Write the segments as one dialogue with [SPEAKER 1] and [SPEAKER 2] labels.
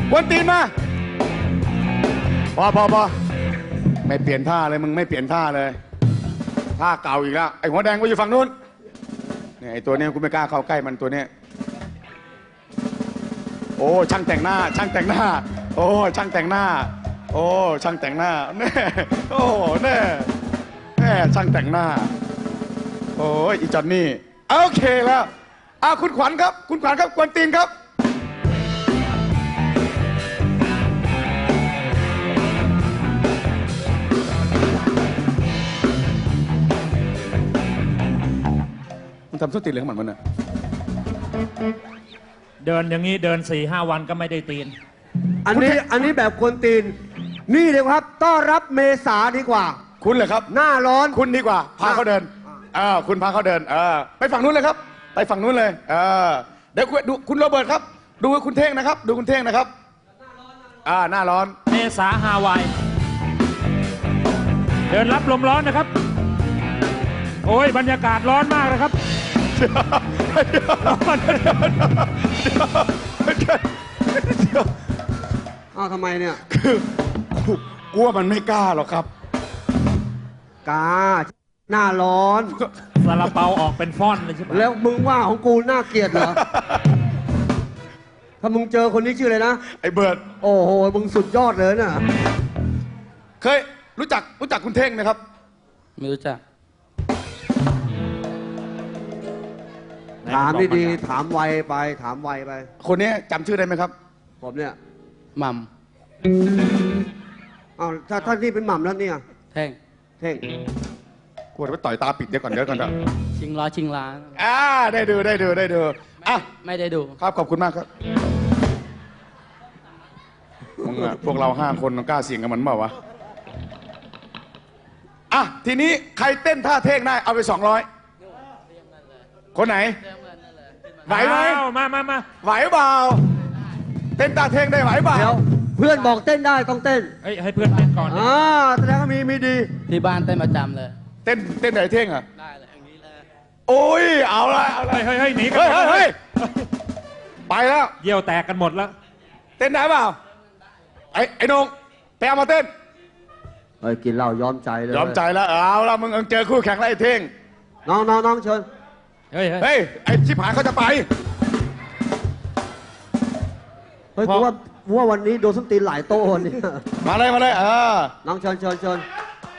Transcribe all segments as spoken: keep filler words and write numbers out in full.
[SPEAKER 1] กวนตีนมาพอพอพอไม่เปลี่ยนท่าเลยมึงไม่เปลี่ยนท่าเลยท่าเก่าอีกแล้วไอ้หัวแดงก็อยู่ฝั่งนู้นเนี่ยไอ้ตัวเนี้ยกูไม่กล้าเข้าใกล้มันตัวเนี้ยโอ้ช่างแต่งหน้าช่างแต่งหน้าโอ้ช่างแต่งหน้าโอ้ช่างแต่งหน้าแน่โอ้แน่แน่ช่างแต่งหน้าโอ้ยอีจอนนี่โอเคแล้วอ่ะคุณขวัญครับคุณขวัญครับกวนตีนครับมันทำส้นตีนเลยของมันมันอ่ะ
[SPEAKER 2] เดินอย่างนี้เดินสี่ห้าวันก็ไม่ได้ตีน
[SPEAKER 3] อันนี้อันนี้แบบกวนตีนนี่เลยครับต้อนรับเมษาดีกว่า
[SPEAKER 1] คุณเหรอครับ
[SPEAKER 3] หน้าร้อน
[SPEAKER 1] คุณดีกว่าพาเขาเดินอ่าคุณพาเขาเดินเออไปฝั่งนู้นเลยครับไปฝั่งนู้นเลยเออเดี๋ยวดูคุณโรเบิร์ตครับดูคุณเท่งนะครับดูคุณเท่งนะครับอ่าหน้าร้อน
[SPEAKER 2] เมษาฮาวายเดินรับลมร้อนนะครับโอ้ยบรรยากาศร้อนมากนะครับร้อน
[SPEAKER 3] อ้าวทำไมเนี่ย
[SPEAKER 1] คือกลัวมันไม่กล้าหรอกครับ
[SPEAKER 3] กล้าหน้าร้อน
[SPEAKER 2] ซาลาเปาออกเป็นฟ่อนเลยใช่ไหม
[SPEAKER 3] แล้วมึงว่าของกูน่าเกลียดเหรอถ้ามึงเจอคนนี้ชื่ออะไรนะ
[SPEAKER 1] ไอ้เบิร์ด
[SPEAKER 3] โอ้โหมึงสุดยอดเลยน่ะ
[SPEAKER 1] เคยรู้จักรู้จักคุณเท่งไหมครับ
[SPEAKER 4] ไม่รู้จัก
[SPEAKER 3] ถามดีๆถามไวไปถามไวไป
[SPEAKER 1] คนนี้จำชื่อได้ไหมครับ
[SPEAKER 3] ผมเนี่ย
[SPEAKER 4] หม่
[SPEAKER 3] ำอ้าวถ้าท่านนี่เป็นหม่ำแล้วเนี่ย
[SPEAKER 4] แท่ง
[SPEAKER 3] เท่ง
[SPEAKER 1] กลัวไปต่อยตาปิดเดี๋ยวก่อนเดี๋ยวก่อนนะ
[SPEAKER 4] ชิงล้อชิงล้าน
[SPEAKER 1] อ่าได้ดูได้ดูได้ดูอ่ะ
[SPEAKER 4] ไม่ได้ดู
[SPEAKER 1] ครับขอบคุณมากครับมึงอะพวกเราห้าคนกล้าเสี่ยงกับมันเปล่าวะอ่ะทีนี้ใครเต้นท่าเท่งได้เอาไปสองร้อยคนไหนไหวไหม
[SPEAKER 2] มามามา
[SPEAKER 1] ไหวเปล่าเต้นตาเท่งได้ไหวเปล่า
[SPEAKER 3] เดี๋ยวเพื่อนบอกเต้นได้ต้องเต้น
[SPEAKER 2] เฮ้ยให้เพื่อนเต้นก่อน
[SPEAKER 3] อ่าแสดงว่ามีมีดี
[SPEAKER 4] ที่บ้านเต้นประจำเลย
[SPEAKER 1] เต้นเต้นไหนเท่งอ่ะ
[SPEAKER 4] ได้เลยอย่างนี้เลย
[SPEAKER 1] โอ้ยเอาละเอาละ
[SPEAKER 2] เฮ้ยเฮ้ยหนีกัน
[SPEAKER 1] เฮ้ยเฮ้ยไปแล้ว
[SPEAKER 2] เยี่ยวแตกกันหมดแล้ว
[SPEAKER 1] เต้นได้เปล่าไอ้ไอ้นงไปเอามาเต้น
[SPEAKER 3] เฮ้ยกินเหล้ายอมใจเลย
[SPEAKER 1] ยอมใจแล้วเอาละมึงเจอคู่แข่งแล้วไอ้เท่ง
[SPEAKER 3] น้องน้องน้องเชิญ
[SPEAKER 2] เฮ้ย
[SPEAKER 1] เฮ้ยไอ้ชิบหายเขาจะไป
[SPEAKER 3] เฮ้ยกูว่าว่าวันนี้โดนส้นตีนหลายโต๊ะนี่
[SPEAKER 1] มาเลยมาเลยเออ
[SPEAKER 3] น้องเชิญเชิญเชิญ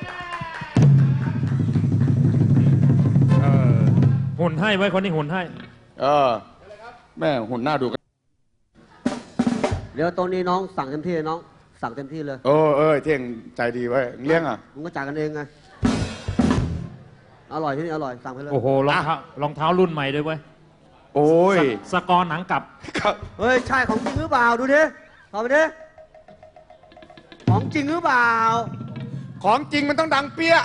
[SPEAKER 2] หุ่นให้ไว้คนนี้หุ่นให้
[SPEAKER 1] เออแม่หุ่นหน้าดูกัน
[SPEAKER 3] เดี๋ยวตรงนี้น้องสั่งเต็มที่น้องสั่งเต็มที่เลย
[SPEAKER 1] โอ้เอ้ยเท่งใจดีไว้เลี้ยงอ่ะ
[SPEAKER 3] มึงก็จ่ายกันเองไงอร่อยที่นี่อร่อยสั่งไปเลย
[SPEAKER 2] โอ้โหรองเท้ารองเท้ารุ่นใหม่ด้วยเว้ย
[SPEAKER 1] โอ้ย
[SPEAKER 2] สกอร์หนังกลับ
[SPEAKER 3] เฮ้ยใช่ของจริงหรือเปล่าดูดิขอไปดิของจริงหรือเปล่า
[SPEAKER 1] ของจริงมันต้องดังเปี้ย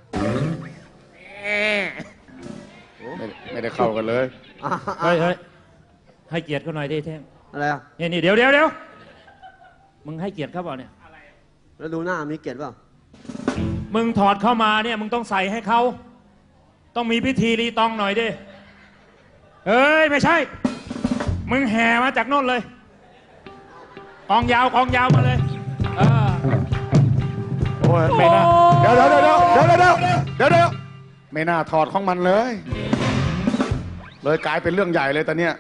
[SPEAKER 1] ไม่ไม่ได้เข้ากันเลย
[SPEAKER 2] เฮ้ยเฮ้ยให้เกียรติเขาหน่อยดิเท่ง
[SPEAKER 3] อะไรอ่ะ
[SPEAKER 2] นี่นี่เดี๋ยวเดี๋ยวเดี๋ยวมึงให้เกียรติเขาเปล่าเนี่ย
[SPEAKER 3] แล้วดูหน้ามีเกียรติเปล่า
[SPEAKER 2] มึงถอดเข้ามาเนี่ยมึงต้องใส่ให้เขาต้องมีพิธีรีตองหน่อยดิเอ้ยไม่ใช่มึงแห่มาจากโน่นเลยกองยาวกองยาวมาเลยเออ
[SPEAKER 1] โอ้ยไม่น่าเดี๋ยวเดี๋ยวเดี๋ยวเดี๋ยวเดี๋ยวเดี๋ยวเดี๋ยวเดี๋ยวไม่น่าถอดของมันเลยเลยกลายเป็นเรื่องใหญ่เลยตอนเนี้ย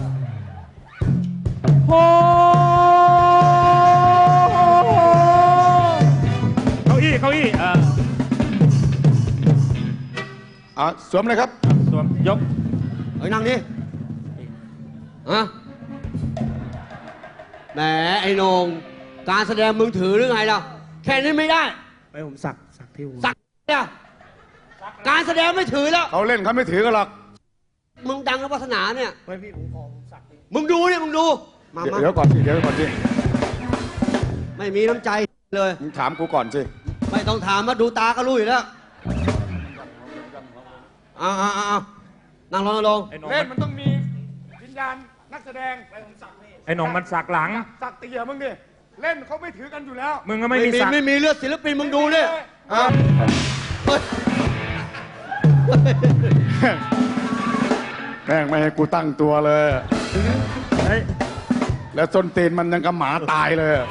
[SPEAKER 2] โอ้เก้าอี้เก้าอี้อ่า
[SPEAKER 1] อ่ะสวมเลยครับ
[SPEAKER 2] สวมยก
[SPEAKER 3] เฮ้ยนั่งดิอะแหมไอ้นงการแสดงมึงถือหรือไงล่ะแค่นี้ไม่ได้
[SPEAKER 5] ไปผมสักสักที่หัว
[SPEAKER 3] สักเนี่ยการแสดงไม่ถือแล้ว
[SPEAKER 1] เขาเล่นเขาไม่ถือกันหรอก
[SPEAKER 3] มึงดังกับวาสนาเนี่ย
[SPEAKER 5] ไปพี่ผมขอสัก
[SPEAKER 3] มึงดูเนี่ยมึงดู
[SPEAKER 1] มาเดี๋ยวก่อนสิเดี๋ยวก่อนสิ
[SPEAKER 3] ไม่มีน้ำใจเลย
[SPEAKER 1] มึงถามกูก่อนสิ
[SPEAKER 3] ไม่ต้องถามมาดูตาก็รู้อยู่แล้วอ้าวอ้าวนั่งลงลง
[SPEAKER 1] เล่นมันต้องมีวิญญาณนักแสดง
[SPEAKER 2] ไอ้หนองมันสักหลัง
[SPEAKER 1] สักเตี๋ยมึงดิเล่นเขาไม่ถือกันอยู่แล้ว
[SPEAKER 2] มึงก็ไม่มีสัก
[SPEAKER 3] ไม่มีเลือดศิลปินมึงดูดิ
[SPEAKER 1] แม่งไม่ให้กูตั้งตัวเลย
[SPEAKER 2] เฮ้ย
[SPEAKER 1] แล้วส้นตีนมันยังกับหมาตายเลยอะ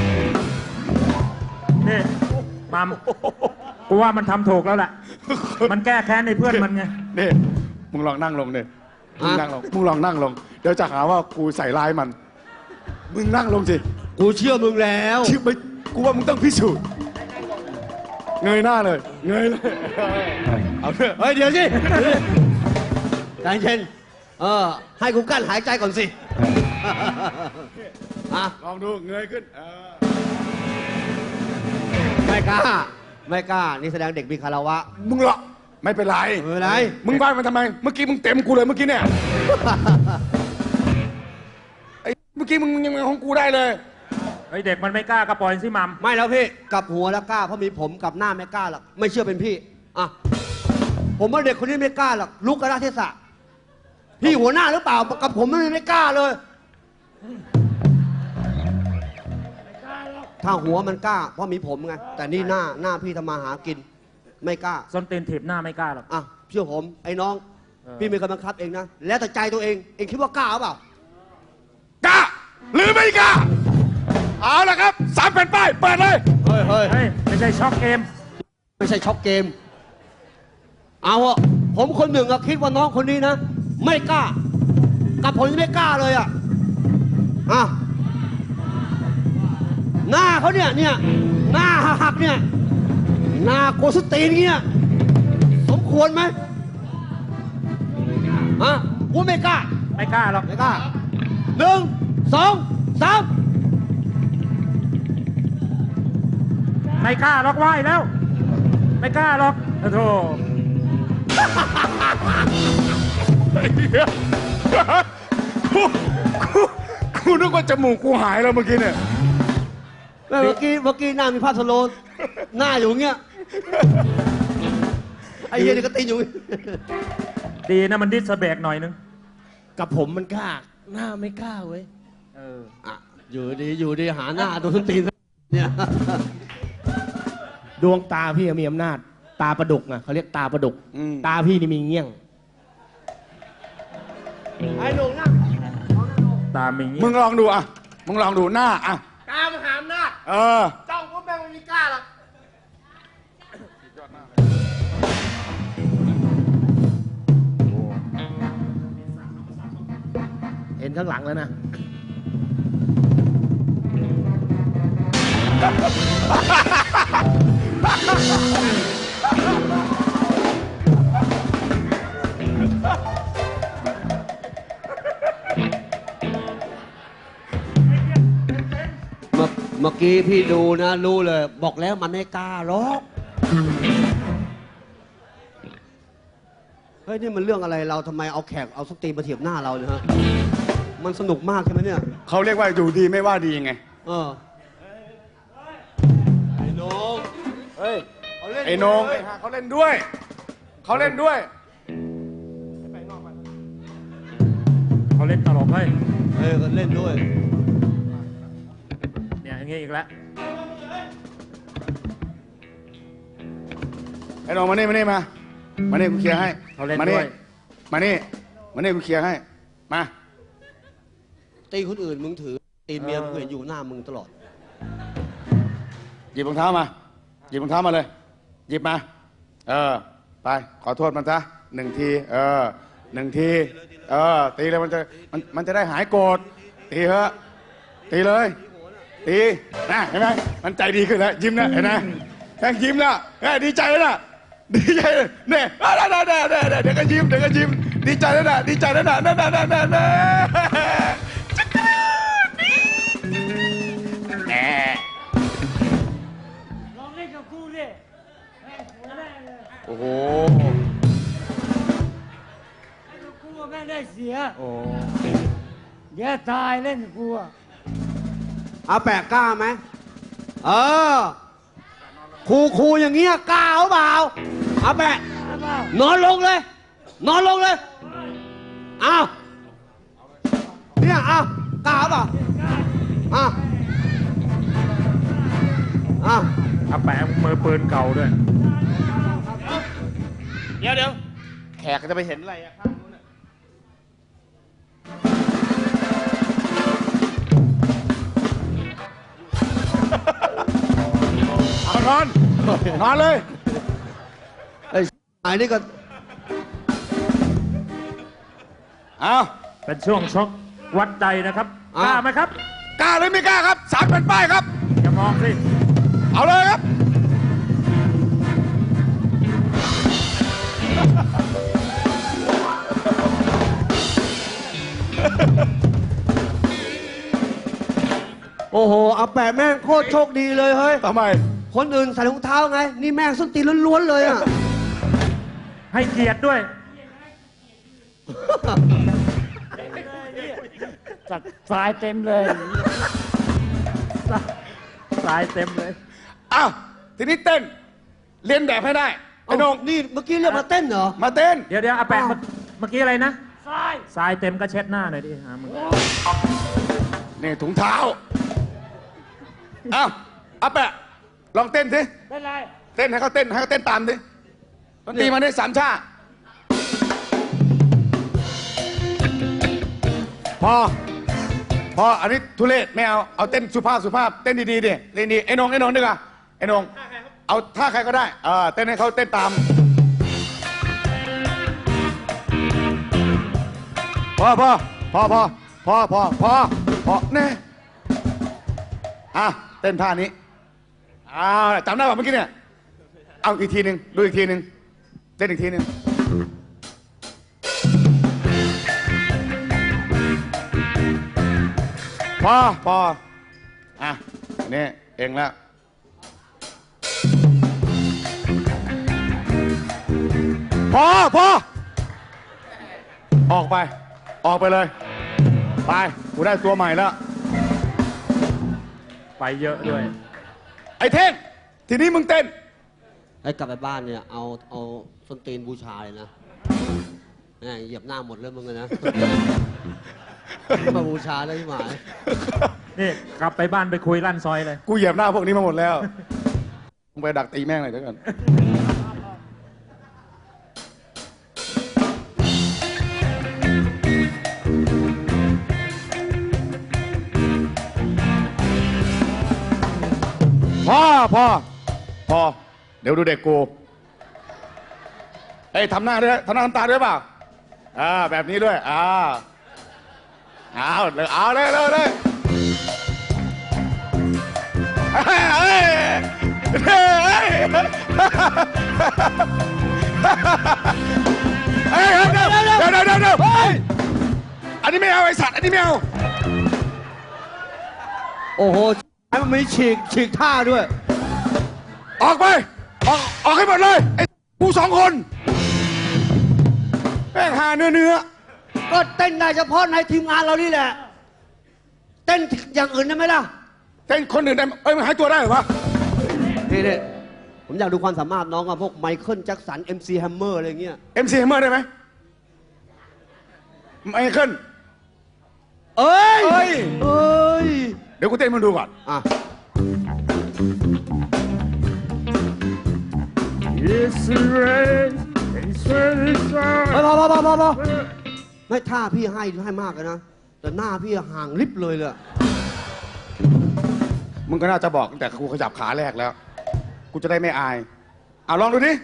[SPEAKER 2] นี่มัมกูว่ามันทำถูกแล้วแหละ มันแก้แค้นในเพื่อนมันไง
[SPEAKER 1] นี่มึงลองนั่งลงเนี่ยมึงนั่งลงมึงลองนั่งลง เดี๋ยวจะหาว่ากูใส่ร้ายมัน มึงนั่งลงสิ
[SPEAKER 3] กูเชื่อมึงแล้ว
[SPEAKER 1] ชื่อไม่กูว่ามึงต้องพิสูจน์เงยหน้าเลย เงยเลยเอาเถอะ
[SPEAKER 3] เฮ้ย เดี๋ยวสิใจเย็นเออ ให้กูกั้นหายใจก่อนสิอ่ะ
[SPEAKER 1] ลองดูเงยขึ้นเออ
[SPEAKER 3] ไม่กล้า ไม่กล้า นี่แสดงเด็กมีคารวะ
[SPEAKER 1] มึงเหรอไม่เป็นไร
[SPEAKER 3] ไม่เป็นไร
[SPEAKER 1] มึงไหว้มันทำไม เมื่อกี้มึงเต็มกูเลยเมื่อกี้เนี่ยไอ้เมื่อกี้มึงยังของกูได้เลย
[SPEAKER 2] ไอเด็กมันไม่กล้าก็ปล่อยสิมัม
[SPEAKER 3] ไม่แล้วพี่กลับหัวแล้วกล้าเพราะมีผมกลับหน้าไม่กล้าหรอกไม่เชื่อเป็นพี่อ่ะผมว่าเด็กคนนี้ไม่กล้าหรอกลุกกระดาเทศะพี่หัวหน้าหรือเปล่ากับผมไม่ไม่กล้าเลยถ้าหัวมันกล้า เพราะมีผมไงแต่นี่หน้าหน้าพี่ทำมาหากิน ไม่กล้า
[SPEAKER 2] ส้นตีนถีบหน้าไม่กล้าหรอก
[SPEAKER 3] อ่ะเชื่อผมไอ้น้อง
[SPEAKER 2] เออ
[SPEAKER 3] พี่มีกำลังคับเองนะแล้วแต่ใจตัวเองเองคิดว่ากล้าหรือเปล่าก
[SPEAKER 1] ล้า หรือไม่กล้า เอาละครับสามแผ่นป้ายเปิดเลย
[SPEAKER 3] เฮ้ยเฮ้ย
[SPEAKER 2] เฮ้ย ไม่ใช่ช็อกเกม
[SPEAKER 3] ไม่ใช่ช็อกเกม เอาอะผมคนหนึ่งอะคิดว่าน้องคนนี้นะ ไม่กล้า กับผมยังไม่กล้าเลยอะอ่ะหน้าเขาเนี่ยเนี่ยหน้าหักๆเนี่ยหน้าโกสตีนเนี่ยสมควรไหมอ่ะกูไม่กล้า
[SPEAKER 2] ไม่กล้าหรอก
[SPEAKER 3] ไม่กล้าหนึ่งสองสาม
[SPEAKER 2] ไม่กล้าหรอกไหวแล้ว ไม่กล้าหรอกโอ้โธ่
[SPEAKER 1] กูกูกูนึกว่าจมูกกูหายแล้วเมื่อกี้เนี่ย
[SPEAKER 3] เมื่อกี้เมื่อกี้หน้ามีภาพสโลว์หน้าอยู่เงี้ยไอ้เหี้ยนี่ก็ตีนอยู่
[SPEAKER 2] ดีนะมันดิสเบรกหน่อยนึง
[SPEAKER 5] กับผมมันกล้า หน้าไม่กล้าเว้ย
[SPEAKER 2] เออ
[SPEAKER 3] อ่ะอยู่ดีอยู่ดีหาหน้าโดนส้นตีนเนี่ย
[SPEAKER 5] ดวงตาพี่มีอำนาจ ตาประดุกอ่ะเขาเรียกตาประดุก
[SPEAKER 1] อืม
[SPEAKER 5] ตาพี่นี่มีเงี้ยง
[SPEAKER 3] ไอ้หนุ่มนั่ง
[SPEAKER 2] ตามมีงี้
[SPEAKER 1] มึงลองดูอ่ะ มึงลองดูหน้าอ่ะ
[SPEAKER 3] ตามหาอำนาจ
[SPEAKER 1] เออ
[SPEAKER 3] จ้องก็แม่งไม่มีกล้าหรอก
[SPEAKER 5] เห็นข้างหลังแล้วนะ
[SPEAKER 3] เมื่อเมื่อกี้พี่ดูนะรู้เลย บอกแล้วมันไม่กล้าหรอกเฮ้ยนี่มันเรื่องอะไรเราทำไมเอาแขกเอาสตรีมาเทียบหน้าเราเนี่ยฮะมันสนุกมากใช่ไหมเนี่ย
[SPEAKER 1] เขาเรียกว่าอยู่ดีไม่ว่าดีไง
[SPEAKER 3] เออไอ้น้อง
[SPEAKER 1] เฮ้ย
[SPEAKER 3] เขาเล่น
[SPEAKER 1] ไอ้โหนง
[SPEAKER 3] ด้วย
[SPEAKER 1] ไอ้ห่าเขาเล่นด้วย เขาเล่นด้วย
[SPEAKER 2] เขาเล่นตลกเฮ้ย
[SPEAKER 3] เออเขาเล่นด้วย
[SPEAKER 2] เนี่ยอย่างงี้อีกแล้ว
[SPEAKER 1] ไอ้โหนงมานี่มานี่มา มานี่กูเคลียร์ให้
[SPEAKER 2] เขาเล่น
[SPEAKER 1] มา
[SPEAKER 2] ด้
[SPEAKER 1] นี่
[SPEAKER 2] วย
[SPEAKER 1] มานี่ มานี่กูเคลียร์ให้ มา
[SPEAKER 3] ตีคนอื่นมึงถือ ตีเมียมึงเห็นอยู่หน้ามึงตลอด
[SPEAKER 1] หยิบรองเท้ามา หยิบรองเท้ามาเลย หยิบมา เออ ไป ขอโทษมันซะหนึ่งที เออหนึ่งที เออ ตีเลยมันจะ มัน มันจะได้หายโกรธ ตีเถอะ ตีเลย ตีนะเห็นไหมมันใจดีขึ้นแล้ว ยิ้มนะเห็นไหมแค่ยิ้มแล้วเฮ้ยดีใจแล้วนะดีใจเลยเนี่ยเดี๋ยวเดี๋ยวเดี๋ยวเดี๋ยวก็ยิ้ม เดี๋ยวก็ยิ้ม ดีใจแล้วนะดีใจแล้วนะนั่นนั่นนั่นนั่นนั่นจักรแหม
[SPEAKER 6] ลองเล่นกับกูดิแม่งหัวแม่งเลย
[SPEAKER 1] โอ้โห
[SPEAKER 6] เล่นกับกูอะแม่งได้เสีย
[SPEAKER 2] โอ้
[SPEAKER 6] เดี๋ยวตายเล่นกับกูอะ
[SPEAKER 3] เอาแปะกล้าไหมเออครูครูอย่างเงี้ยกล้าหรือเปล่าเอาแปะ
[SPEAKER 6] เอาเปล่าน
[SPEAKER 3] อนลงเลย นอนลงเลยเอาเนี่ยเอากล้าหรือเปล่าเอาเอา
[SPEAKER 2] อาแปะมือปืนเก่าด้วย
[SPEAKER 5] เดี๋ยวเดี๋ยวแขกจะไปเห็นอะไรอะข้างนู้นอะ
[SPEAKER 1] นอนเลย
[SPEAKER 3] ไอ้ไอ้นี่ก็
[SPEAKER 1] เอา
[SPEAKER 2] เป็นช่วงชกวัดใจนะครับ
[SPEAKER 3] อ่ะ
[SPEAKER 2] กล้าไหมครับ
[SPEAKER 1] กล้าหรือไม่กล้าครับสามแผ่นป้ายครับ
[SPEAKER 2] อย่ามองสิ
[SPEAKER 1] เอาเลยครับ
[SPEAKER 3] โอ้โหอาแปะแม่งโคตรโชคดีเลยเฮ้ย
[SPEAKER 1] ทำไม
[SPEAKER 3] คนอื่นใส่รองเท้าไง นี่แม่งส้นตีนล้วนๆเลยอ่ะ
[SPEAKER 2] ให้เกียรติด้วย
[SPEAKER 6] จัดทรายเต็มเลย
[SPEAKER 2] สายเต็มเลย
[SPEAKER 1] อ้าว ทีนี้เต้น เรียนแบบให้ได้ ไอ้โหนง
[SPEAKER 3] นี่เมื่อกี้เรียกมาเต้นเหรอ
[SPEAKER 1] มาเต้น
[SPEAKER 2] เดี๋ยวเดี๋ยวอาแปะ
[SPEAKER 3] อ้าว
[SPEAKER 2] เมื่อเมื่อกี้อะไรนะ
[SPEAKER 6] ทราย
[SPEAKER 2] ทรายเต็มก็เช็ดหน้าหน่อยดิหามึง
[SPEAKER 1] นี่ถุงเท้า อ้าวอาแปะ ลองเต้นสิ
[SPEAKER 6] เป็นไร
[SPEAKER 1] เต้นให้เขาเต้นให้เขาเต้นตามดิดนตรีมาได้สามชาพอ พอ อันนี้ทุเรศไม่เอา เอาเต้นสุภาพสุภาพ เต้นดีๆดิเต้นดีไอ้นงไอ้นงดีกว่าไอ้นงเอาท่าใครก็ได้เออเต้นให้เขาเต้นตาม พอพอพอพอพอพอพอพอแน่อ่ะเต้นท่านี้อ้าวจำได้ป่ะเมื่อกี้เนี่ย เอาอีกทีหนึ่งดูอีกทีหนึ่งเต้นอีกทีหนึ่งพอพออ่ะนี่เองแล้วพอพอออกไป ออกไปเลย ไปกูได้ตัวใหม่แล้ว
[SPEAKER 2] ไปเยอะด้วย
[SPEAKER 1] ไอ้เท่งทีนี้มึงเต้น
[SPEAKER 3] ไอ้กลับไปบ้านเนี่ย เอาเอาส้นตีนบูชาเลยนะแม่งเหยียบหน้าหมดเลยมึงอะนะ มาบูชาได้ที่หมาย
[SPEAKER 2] นี่กลับไปบ้านไปคุยลั่นซอยเลย
[SPEAKER 1] กูเหยียบหน้าพวกนี้มาหมดแล้วมึงไปดักตีแม่งเลยเดี๋ยวก่อนพ่อพ่อพ่อเดี๋ยวดูเด็กกูเอ้ยทำหน้าด้วยทำหน้าทำตาด้วยเปล่าอ่าแบบนี้ด้วยอ่าเอาเลยเอาเลยเลยเลยเฮ้ยเฮ้ยเฮ้ยเฮ้ยเฮ้ยเดี๋ยวเดี๋ยวเดี๋ยวเดี๋ยวเดี๋ยวเฮ้ยอันนี้ไม่เอาไอ้สัตว์อันนี้ไม่เอา
[SPEAKER 3] โอ้โหไอ้มันมีฉีกฉีกท่าด้วย
[SPEAKER 1] ออกไปออกออกให้หมดเลยไอ้กูสองคนแม่งหาเนื้อเนื้อ
[SPEAKER 3] ก็เต้นได้เฉพาะในทีมงานเรานี่แหละ เต้นอย่างอื่นได้ไหมล่ะ
[SPEAKER 1] เต้นคนอื่นได้เอ้ยมันหายตัวได้เหรอวะ
[SPEAKER 3] นี่นี่ผมอยากดูความสามารถน้องกับพวกไมเคิลแจ็คสัน เอ็ม ซี แฮมเมอร์อะไรเงี้ย
[SPEAKER 1] เอ็มซีเมอร์ได้ไหมไมเคิล
[SPEAKER 3] เอ้ย
[SPEAKER 1] เอ้ย
[SPEAKER 3] เอ้ย
[SPEAKER 1] เดี๋ยวกูเต้นมึงดูก่อน
[SPEAKER 3] อ่ะ
[SPEAKER 2] It's rain It's rain
[SPEAKER 3] พอพอพอพอพอพอไม่ท่าพี่ให้ให้มากเลยนะ แต่หน้าพี่ห่างลิบเลยเลย
[SPEAKER 1] มึงก็น่าจะบอกตั้งแต่กูขยับขาแรกแล้ว กูจะได้ไม่อายเอาลองดูดิ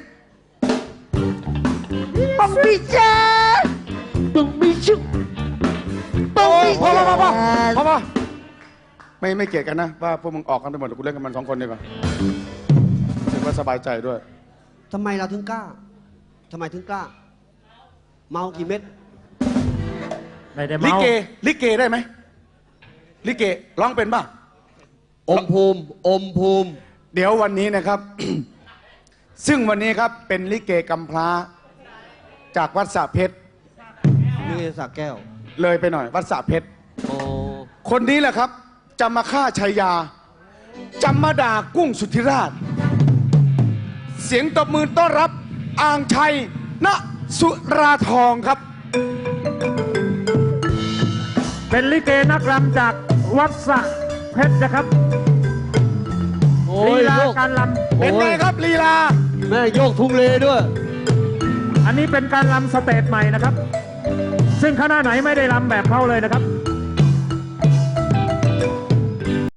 [SPEAKER 3] ปังปีเจ้ปังปีชุกปัง
[SPEAKER 1] โอ้
[SPEAKER 3] ปี
[SPEAKER 1] พอ
[SPEAKER 3] เจ้
[SPEAKER 1] พอพอพอพอพอไม่ไม่เกลียดกันนะว่าพวกมึงออกกันไปหมดกูเล่นกันมันสองคนดีกว่ารู้สึกว่าสบายใจด้วย
[SPEAKER 3] ทำไมเราถึงกล้าทำไมถึงกล้า เมากี่เม็ด
[SPEAKER 2] ไม่ได้
[SPEAKER 1] ลิ
[SPEAKER 2] เมา
[SPEAKER 1] เกลิเกได้ไหมลิเกร้องเป็นป่ะ
[SPEAKER 3] อมภูมิ อมภูมิ
[SPEAKER 1] เดี๋ยววันนี้นะครับ ซึ่งวันนี้ครับเป็นลิเกกำพร้า จากวัดสระเพชร
[SPEAKER 3] นี่สักแก้ว
[SPEAKER 1] เลยไปหน่อย วัดสระเพชร
[SPEAKER 3] โอ้
[SPEAKER 1] คนนี้แหละครับ จะมาฆ่าชัยยาจะมาด่ากุ้งสุทธิราช เสียงตบมือต้อนรับอ่างชัยณสุราทองครับ
[SPEAKER 2] เป็นลิเกนักรำจากวัดสระเพชรนะครับ
[SPEAKER 3] โอ้
[SPEAKER 2] ลี
[SPEAKER 3] ย
[SPEAKER 2] ลา
[SPEAKER 3] โยก
[SPEAKER 2] การล
[SPEAKER 1] เป็นไงครับลีลา
[SPEAKER 3] แม่โยกทุงเลด้วย
[SPEAKER 2] ำอันนี้เป็นการลำสเตจใหม่นะครับ ซึ่งคณะไหนไม่ได้ลำแบบเขาเลยนะครับ